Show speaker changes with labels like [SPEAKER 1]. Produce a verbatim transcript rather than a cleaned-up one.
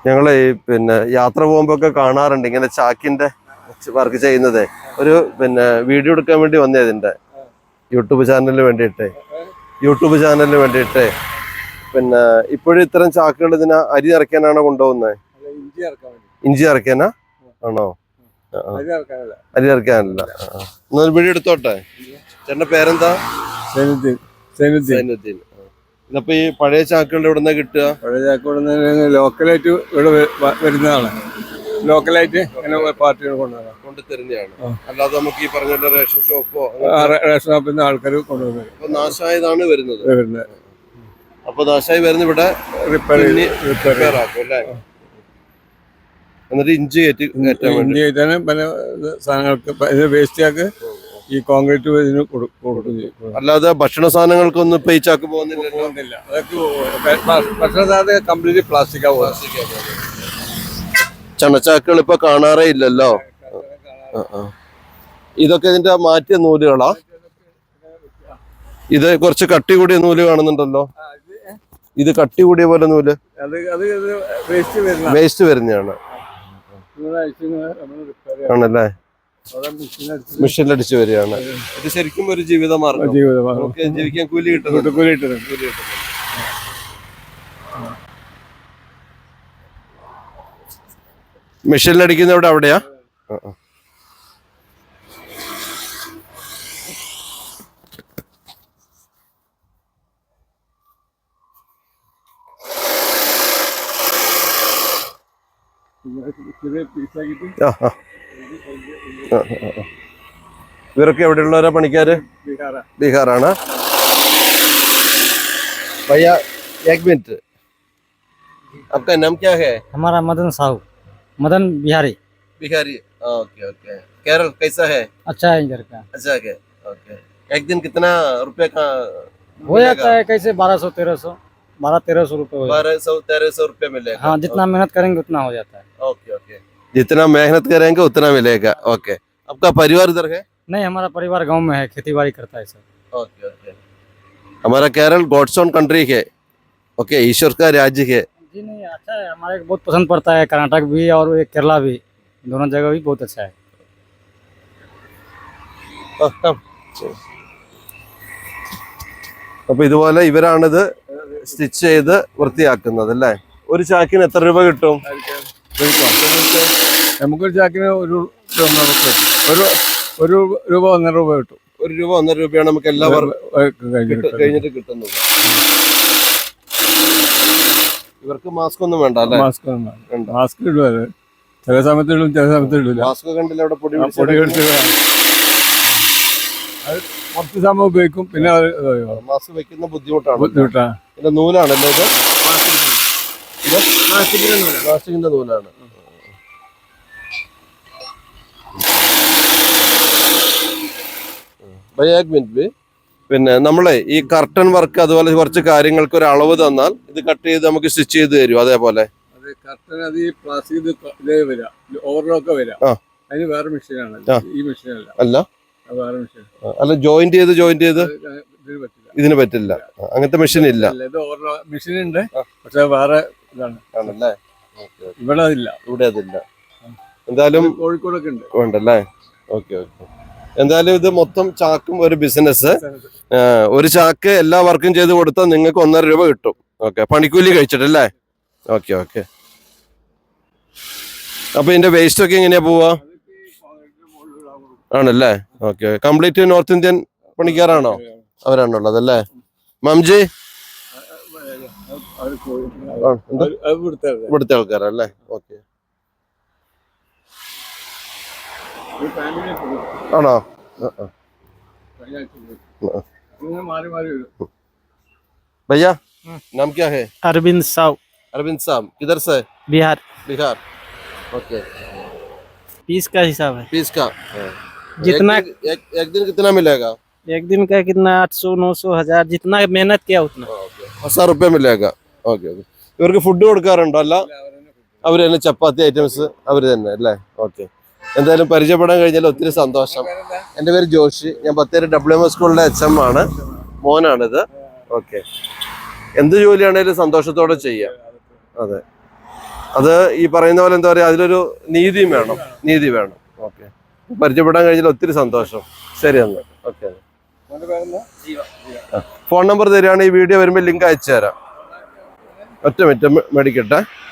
[SPEAKER 1] ഞങ്ങള് പിന്നെ യാത്ര പോകുമ്പോ ഒക്കെ കാണാറുണ്ട് ഇങ്ങനെ ചാക്കിന്റെ വർക്ക് ചെയ്യുന്നത്. ഒരു പിന്നെ വീഡിയോ എടുക്കാൻ വേണ്ടി വന്നേ ഇതിന്റെ യൂട്യൂബ് ചാനലിന് വേണ്ടിയിട്ട് യൂട്യൂബ് ചാനലിന് വേണ്ടിയിട്ട് പിന്നെ ഇപ്പോഴും ഇത്തരം ചാക്കുകൾ ഇതിനെ അരി നിറയ്ക്കാനാണോ കൊണ്ടുപോകുന്നത്? ഇഞ്ചി ഇറക്കാനാ ആണോ? അരി ഇറക്കാനല്ല. എന്നൊരു വീഡിയോ എടുത്തോട്ടെ. ചേട്ടന്റെ പേരെന്താ? സൈനുദ്ദീൻ. ഇതപ്പോ ഈ പഴയ ചാക്കുകൾ എവിടെ നിന്നാ കിട്ടുക?
[SPEAKER 2] പഴയ ചാക്ക് ലോക്കലായിട്ട് ഇവിടെ വരുന്നതാണ്. ലോക്കലായിട്ട് പാർട്ടികൾ കൊണ്ടുവരാം
[SPEAKER 1] കൊണ്ട് തരുന്നതാണ്. അല്ലാതെ നമുക്ക് ഈ പറഞ്ഞ റേഷൻ ഷോപ്പോ
[SPEAKER 2] റേഷൻ ഷോപ്പിൽ നിന്ന് ആൾക്കാർ കൊണ്ടുവരുന്നത്.
[SPEAKER 1] അപ്പൊ നാശമായതാണ് വരുന്നത്. അപ്പൊ നാശമായി വരുന്ന ഇവിടെ റിപ്പയർ ആക്കും അല്ലേ? എന്നിട്ട് ഇഞ്ചി കയറ്റി
[SPEAKER 2] ഇഞ്ചി കയറ്റാനും പല സാധനങ്ങൾക്ക് വേസ്റ്റ് ചാക്ക് ഈ കോൺക്രീറ്റ് ഇതിന് കൊടുക്കും.
[SPEAKER 1] അല്ലാതെ ഭക്ഷണ സാധനങ്ങൾക്കൊന്നും ഇപ്പൊ ഈ ചാക്ക് പോകുന്നില്ല.
[SPEAKER 2] അതൊക്കെ ഭക്ഷണ സാധനം കംപ്ലീറ്റ് പ്ലാസ്റ്റിക്കാ പ്ലാസ്റ്റിക്കാ
[SPEAKER 1] ചണച്ചാക്കുകൾ ഇപ്പൊ കാണാറേ ഇല്ലല്ലോ. ഇതൊക്കെ ഇതിന്റെ മാറ്റിയ നൂലുകളാ? ഇത് കുറച്ച് കട്ടി കൂടിയ നൂല് കാണുന്നുണ്ടല്ലോ. ഇത് കട്ടി കൂടിയ പോലെ നൂല് വേസ്റ്റ് വരുന്നതാണ് ആണല്ലേ? മെഷീനിലടിച്ച് വരികയാണ്. ഇത് ശരിക്കും ഒരു ജീവിതമാർഗം. നമുക്ക് ജീവിക്കാൻ കൂലി കിട്ടുന്നുണ്ട്. കൂലി കിട്ടുന്നുണ്ട് കൂലി കിട്ടുന്നുണ്ട് മെഷീനിലടിക്കുന്നവിടെ അവിടെയാ? ഇവരൊക്കെ എവിടെയുള്ളവരാ പണിക്കാര്? ബീഹാറാണ്. भैया एक मिनट, आपका नाम क्या है?
[SPEAKER 3] हमारा मदन साहू, मदन बिहारी
[SPEAKER 1] बिहारी। Okay okay. केरल कैसा है?
[SPEAKER 3] अच्छा है इधर का।
[SPEAKER 1] अच्छा है। ओके। एक दिन कितना रुपए का
[SPEAKER 3] हो जाता है? कैसे बारह सौ तेरह सौ बारह तेरह सौ रुपये
[SPEAKER 1] बारह सौ तेरह सौ रुपये मिलेगा।
[SPEAKER 3] हाँ, जितना मेहनत करेंगे उतना हो जाता है।
[SPEAKER 1] ओके ओके, जितना मेहनत करेंगे उतना मिलेगा। ओके। आपका परिवार इधर है?
[SPEAKER 3] नहीं, हमारा परिवार गांव में है, खेती बाड़ी करता है सर।
[SPEAKER 1] Okay okay. हमारा केरल गॉड्स ओन कंट्री है। ओके, ईश्वर का राज्य है।
[SPEAKER 3] जी नहीं, अच्छा है, हमारे को बहुत पसंद पड़ता है। कर्नाटक भी और केरला भी, दोनों जगह भी बहुत अच्छा है।
[SPEAKER 1] അപ്പൊ ഇതുപോലെ ഇവരാണിത് സ്റ്റിച്ച് ചെയ്ത് വൃത്തിയാക്കുന്നത് അല്ലേ? ഒരു ചാക്കിന് എത്ര രൂപ കിട്ടും?
[SPEAKER 2] നമുക്കൊരു ചാക്കിന് ഒരു ഒരു ഒരു രൂപ ഒന്നര രൂപ കിട്ടും.
[SPEAKER 1] ഒരു രൂപ ഒന്നര രൂപയാണ് നമുക്ക് എല്ലാവർക്കും കഴിഞ്ഞിട്ട് കിട്ടുന്നത്. ഇവർക്ക് മാസ്ക് ഒന്നും വേണ്ട അല്ലേ?
[SPEAKER 2] മാസ്ക് വേണ്ട. മാസ്ക് ഇടുക ചില സമയത്ത് ഇടും, ചില സമയത്ത് ഇടില്ല.
[SPEAKER 1] മാസ്ക് കണ്ടില്ല അവിടെ പൊടി
[SPEAKER 2] പൊടി പിടിച്ച് അത് കുറച്ച് സമയം ഉപയോഗിക്കും. പിന്നെ
[SPEAKER 1] മാസ്ക് വെക്കുന്ന ബുദ്ധിമുട്ടാണ്.
[SPEAKER 2] ബുദ്ധിമുട്ടാണ്.
[SPEAKER 1] പിന്നെ നൂലാണല്ലോ ഇത്? പ്ലാസ്റ്റിക്കിന്റെ നൂലാണ്. പിന്നെ നമ്മളെ ഈ കർട്ടൻ വർക്ക് അതുപോലെ കുറച്ച് കാര്യങ്ങൾക്ക് ഒരു അളവ് തന്നാൽ ഇത് കട്ട് ചെയ്ത് നമുക്ക് സ്റ്റിച്ച് ചെയ്ത് തരും. അതേപോലെ
[SPEAKER 2] കർട്ടൻ അത് ഈ പ്ലാസ്റ്റിക് ഇതേ വരാ, ഓവർലോക്ക് വരാ. അതിന് വേറെ മെഷീനാണ്, ഈ മെഷീനല്ല.
[SPEAKER 1] അല്ല,
[SPEAKER 2] വേറെ മെഷീൻ.
[SPEAKER 1] അല്ല, ജോയിന്റ് ചെയ്ത് ജോയിന്റ് ചെയ്ത് ഇതിന് പറ്റില്ല. അങ്ങനത്തെ മെഷീൻ ഇല്ല.
[SPEAKER 2] ഇത് ഓവർലോക്ക് മെഷീൻ ഉണ്ട്, പക്ഷെ വേറെ ഇതാണ്.
[SPEAKER 1] ആണല്ലേ?
[SPEAKER 2] ഇവിടെ അതില്ല.
[SPEAKER 1] ഇവിടെ അതില്ല. എന്തായാലും
[SPEAKER 2] കോഴിക്കോടൊക്കെ ഉണ്ട്.
[SPEAKER 1] ഉണ്ടല്ലേ? Okay okay. എന്തായാലും ഇത് മൊത്തം ചാക്കും ഒരു ബിസിനസ്. ഒരു ചാക്ക് എല്ലാ വർക്കും ചെയ്ത് കൊടുത്താൽ നിങ്ങൾക്ക് ഒന്നര രൂപ കിട്ടും. ഓക്കെ, പണിക്കൂലി കഴിച്ചിട്ടല്ലേ? Okay okay. അപ്പൊ ഇതിന്റെ വേസ്റ്റ് ഒക്കെ എങ്ങനെയാ പോവാ? ആണല്ലേ? ഓക്കെ. കംപ്ലീറ്റ് നോർത്ത് ഇന്ത്യൻ പണിക്കാരാണോ? അവരാണുള്ളത് അല്ലേ? മംജി ഇവിടുത്തെ ആൾക്കാരല്ലേ? ഓക്കെ. ആണോ? भैया नाम क्या है?
[SPEAKER 3] अरविंद साहू।
[SPEAKER 1] अरविंद साहब किधर से?
[SPEAKER 3] बिहार।
[SPEAKER 1] बिहार। ओके।
[SPEAKER 3] पीस का हिसाब है?
[SPEAKER 1] पीस का
[SPEAKER 3] जितना
[SPEAKER 1] एक, एक, एक दिन कितना मिलेगा?
[SPEAKER 3] एक दिन का कितना आठ सौ नौ सौ हजार, जितना मेहनत किया उतना
[SPEAKER 1] हजार रुपये मिलेगा. Okay okay. ഇവർക്ക് ഫുഡ് കൊടുക്കാറുണ്ടോ? അല്ല, അവർ തന്നെ ചപ്പാത്തി ഐറ്റംസ് അവർ തന്നെ അല്ലേ? ഓക്കെ. എന്തായാലും പരിചയപ്പെടാൻ കഴിഞ്ഞാൽ ഒത്തിരി സന്തോഷം. എൻ്റെ പേര് ജോഷി. ഞാൻ ബത്തേരി ഡബ്ല്യു എം എസ് സ്കൂളിലെ എച്ച് എം ആണ്. മോനാണിത്. ഓക്കെ. എന്ത് ജോലിയാണേലും സന്തോഷത്തോടെ ചെയ്യാം. അതെ. അത് ഈ പറയുന്ന പോലെ എന്താ പറയാ, അതിലൊരു നീതിയും വേണം, നീതി വേണം. ഓക്കെ, പരിചയപ്പെടാൻ കഴിഞ്ഞാൽ ഒത്തിരി സന്തോഷം. ശരി എന്നാ, ഓക്കെ. ഫോൺ നമ്പർ തരികയാണെങ്കിൽ ഈ വീഡിയോ വരുമ്പോൾ ലിങ്ക് അയച്ചു തരാം. ഒറ്റ മിനിറ്റ് മേടിക്കട്ടെ.